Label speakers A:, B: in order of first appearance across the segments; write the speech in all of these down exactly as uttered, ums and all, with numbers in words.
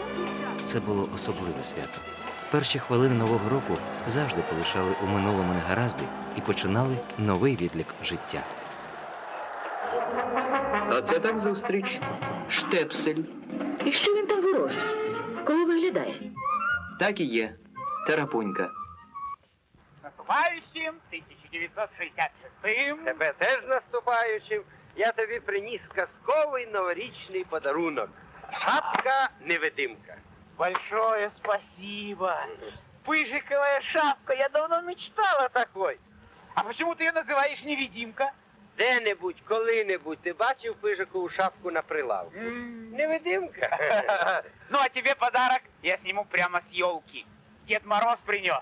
A: Це було особливе свято. Перші хвилини Нового року завжди полишали у минулому негаразди і починали новий відлік життя.
B: Оце так зустріч. Штепсель.
C: І що він там ворожить? Кого виглядає?
B: Так і є. Тарапунька.
D: Наступаючим тисяча дев'ятсот шістдесят шостим.
E: Тебе теж наступаючим. Я тобі приніс казковий новорічний подарунок. Шапка-невидимка.
D: Большое спасибо. Пыжиковая шапка. Я давно мечтала о такой. А почему ты ее называешь невидимка?
E: Де-небудь, коли-небудь ти бачив пижикову шапку на прилавку? Невидимка.
D: Ну, а тебе подарок я сниму прямо с елки. Дед Мороз принес.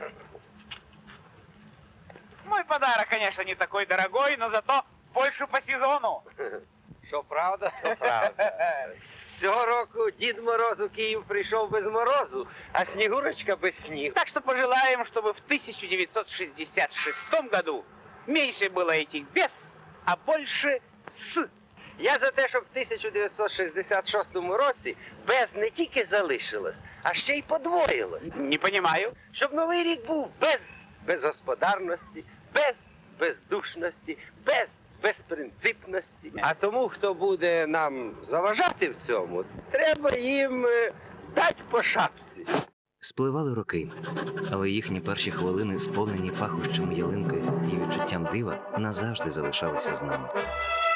D: Мой подарок, конечно, не такой дорогой, но зато больше по сезону.
E: Що правда, то правда. Цього року Дід Мороз у Київ прийшов без морозу, а Снігурочка без снігу.
D: Так что пожелаем, чтобы в тысяча девятьсот шестьдесят шестом году меньше было этих без, а больше с.
E: Я за те, щоб в тисяча дев'ятсот шістдесят шостому році без не тільки залишилось, а ще й подвоїлось.
D: Не понимаю.
E: Щоб новий рік був без безгосподарності, без бездушності, без безпринципності. А тому, хто буде нам заважати в цьому, треба їм е, дати по шапці.
A: Спливали роки, але їхні перші хвилини, сповнені пахощами ялинки і відчуттям дива, назавжди залишалися з нами.